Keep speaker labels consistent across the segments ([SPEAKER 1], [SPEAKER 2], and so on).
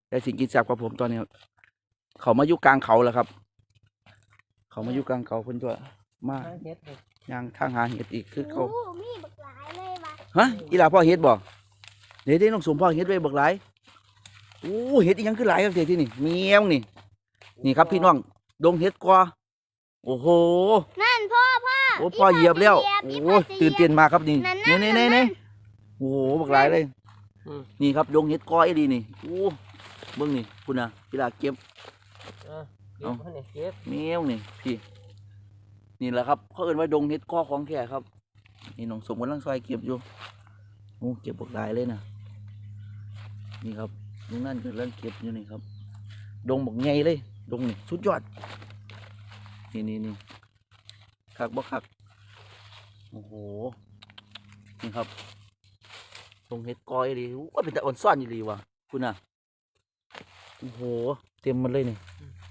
[SPEAKER 1] ได้สิ่งกินแซ่บกับผมตอนนี้เขามาอยู่กลางเขาแล้วครับ เขามาอยู่กลางเขาเพิ่นตัวมาย่างทางหาเห็ดอีกคือเขา
[SPEAKER 2] มีบักหลายเลยว่ะ
[SPEAKER 1] ฮะอีหลาพ่อเห็ดบ่เดี๋ยวน้องสมพ่อเห็ดไว้บักหลายโอ้เห็ดอีหยังคือหลายครับเดี๋ยวที่นี่เมียงนี่ครับพี่น้องดงเห็ดกว่าโอ้โห
[SPEAKER 2] นั่นพ่อ
[SPEAKER 1] โอ้พ่อเหยียบแล้ว
[SPEAKER 2] อี
[SPEAKER 1] โอ้
[SPEAKER 2] พ่อจะเหยียบ
[SPEAKER 1] ตื่นเต้นมากครับนี่
[SPEAKER 2] นั่น
[SPEAKER 1] นี่โอ้โหบักหลายเลยนี่ครับดงเห็ดก้อยดีนี่โอ้เบิ่งนี่คุณน่ะอีหลาเก็บ
[SPEAKER 3] เอาเก็บ
[SPEAKER 1] แมวนี่พี่นี่แหละครับเขาเอิ้นว่าดงเห็ดก้อของแท้ครับนี่น้องสมกำลังซอยเก็บอยู่โอ้เก็บบักหลายเลยนะนี่ครับลุงนั่นกำลังเก็บอยู่นี่ครับดงบักใหญ่เลยดงนี่สุดยอดนี่คักบ่คักโอ้โหนี่ครับดงเห็ดก้อยดีว่าเป็นแต่อ่อนซ่อนอยู่ดีว่ะคุณน่ะโอ้โหเต็มมันเลยนี่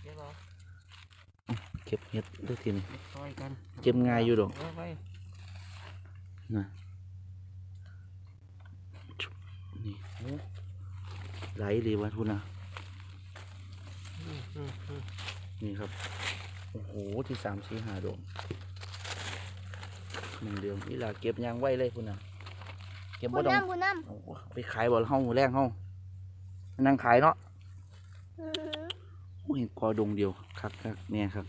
[SPEAKER 1] เก็บเห็ดด้วยทีนี่เก็บง่ายอยู่ดอกนะนี่โอ้ไหลเลยวะทุนนะนี่ครับโอ้โหที่3 4 5 ดอก1 เดือนนี่ล่ะเก็บยางไว้เลยคุณนะเก็บบ่ต้อง
[SPEAKER 2] บุญน้
[SPEAKER 1] โอ้ไปขายบ่เฮาแรงเฮานั่งขายเนาะ
[SPEAKER 2] ำ
[SPEAKER 1] โอ้เห็นกอดงเดียวคักเนี่ยครับ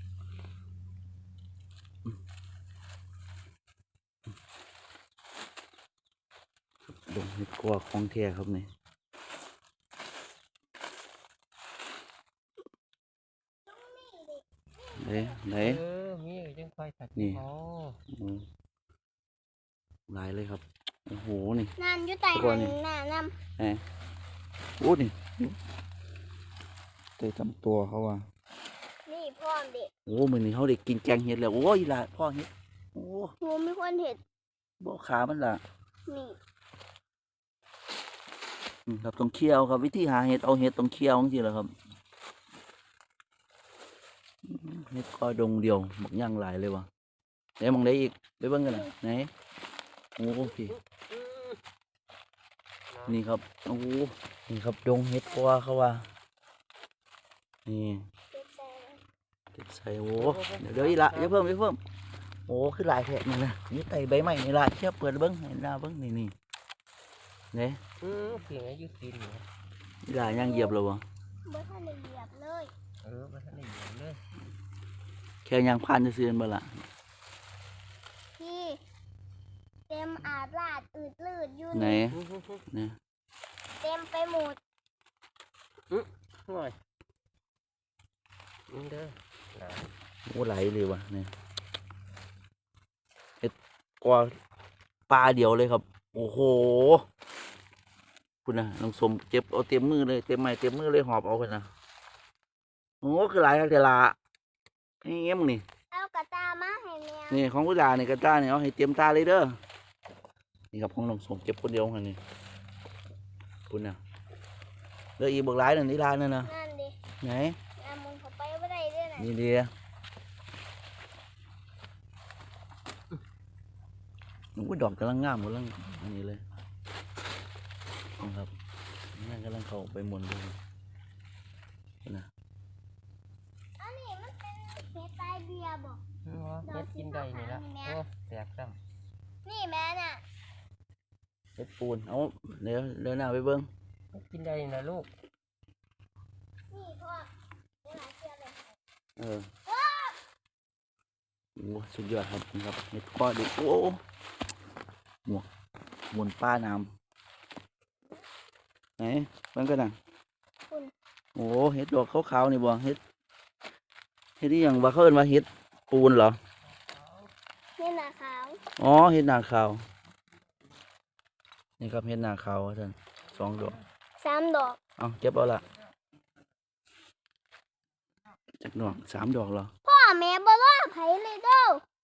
[SPEAKER 1] ดงเห็ดกอของแท้ครับนี่ไหน
[SPEAKER 3] มีจังไฟตัด
[SPEAKER 1] นี่หลายเลยครับโอ้โหนี่
[SPEAKER 2] นั่นอยู่ใต้หันหน้าน้ำ
[SPEAKER 1] โอ้นี่เตะทำตัวเขาว่า
[SPEAKER 2] นี่พ่อเด็ก
[SPEAKER 1] โอ้มือนี้เขาเด็กกินแกงเห็ดแล้วโอ้ยล่ะพ่อเห็ดโอ้
[SPEAKER 2] งูมีคนเห็น
[SPEAKER 1] บ่ขามันล่ะ
[SPEAKER 2] นี่
[SPEAKER 1] ครับต้องเคี่ยวครับวิธีหาเห็ดเอาเห็ดต้องเคี่ยวจริงๆแหละครับเห็ดกอดงเดียวหมกย่างหลายเลยวะไหนมองได้อีกไปเบิ่งกันนะไหนโอ้พี่นี่ครับโอ้นี่ครับดงเห็ดกอเขาว่านี่
[SPEAKER 2] เด็กใส่
[SPEAKER 1] ใส่โอ้เดี๋ยวอีละอย่าเพิ่มโอ้คือหลายแผลนี่นะนี่ไต่ใบไม้นี่ละเชี่ยเปิดเบิ้งเห็นละเบิ้งนี่เนี่ย
[SPEAKER 3] เพียงอายุตีนอยู่
[SPEAKER 1] อีละย่างเหยียบเลยวะ
[SPEAKER 2] บ่ทันได้เหยียบเลย
[SPEAKER 3] มาท่านได้เหยียบเลย
[SPEAKER 1] แค่ย่างผ่านจะเสื่อมบ่ละ
[SPEAKER 2] พี่เต็มอาดลาดอืดลืดอยู่
[SPEAKER 1] ไหน
[SPEAKER 2] นี่
[SPEAKER 1] เนี่ย
[SPEAKER 2] เต็มไปหมด
[SPEAKER 3] ห่วยเด้อ
[SPEAKER 1] โอ้ไหลเลยวะเนี่ยเห็ดกอปลาเดียวเลยครับโอ้โหคุณนะน้องสมเจ็บเอาเต็มมือเลยเต็มไม้เต็มมือเลยหอบเอาคนนะโอ้คือหลายครับเดล่านี่เงี้ยมึงนี่
[SPEAKER 2] เอากระตามาให้แม่
[SPEAKER 1] นี่ของผู้ด่านี่กระต้าเนี่ยเอาให้เตรียมตาเลยเด้อนี่ครับของน้องสมเก็บคนเดียวกันนี่คุณน่ะเด้ออีเบิกหลายนั่นนี่ลานั่นนะ
[SPEAKER 2] นั่นดิ
[SPEAKER 1] ไหน
[SPEAKER 2] น้ำมันเข้าไปไม่ได้ด้วยนะ
[SPEAKER 1] นี่เดียโอ้ยดอกกำลังงามกำลังอันนี้เลยนะครับนั่นกำลังเข้าไปหมุนเลยนะ
[SPEAKER 2] อันนี้มันเป็นเห็ดใต้เบียร์บอก
[SPEAKER 3] เฮ็ดกินได้นี่ละโอ้แตกซ้
[SPEAKER 2] นี่แม่น่ะ
[SPEAKER 1] เฮ็ดปูนเอาเดี๋ยวหน้าไปเบิ้ง
[SPEAKER 3] ำกินได้นะลูก
[SPEAKER 2] นี่พ่อเวลาเชื่อเลย
[SPEAKER 1] โอ้สุดยอดครับนี่ครับเห็ดก้อดิโอ้หมุนป้าน้ำไหนเบิ้งกันนะ
[SPEAKER 2] คุณ
[SPEAKER 1] โอ้เห็ดดอกขาวๆนี่บ่เห็ดที่อย่างว่าเขาเอิ้นว่าเห็ดปูนเหรอ
[SPEAKER 2] นี่หนาขาว
[SPEAKER 1] อ๋อเห็ดหนาขาวนี่ครับเห็ดหนาขาวท่าน2 ดอก
[SPEAKER 2] 3 ดอก
[SPEAKER 1] เอาเก็บเอาละจักดอก3 ดอกเหรอ
[SPEAKER 2] พ่อแม่บ่รอไผเลยเด้อ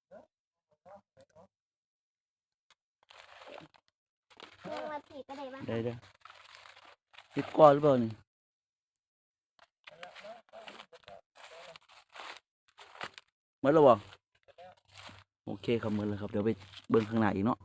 [SPEAKER 2] ยังมาผีก็ได้บ้าง
[SPEAKER 1] ได้เห็ดก้อหรือเปล่านี่หมดแล้วบ่โอเคครับหมดแล้วครับเดี๋ยวไปเบิ่งข้างหน้าอีกเนาะ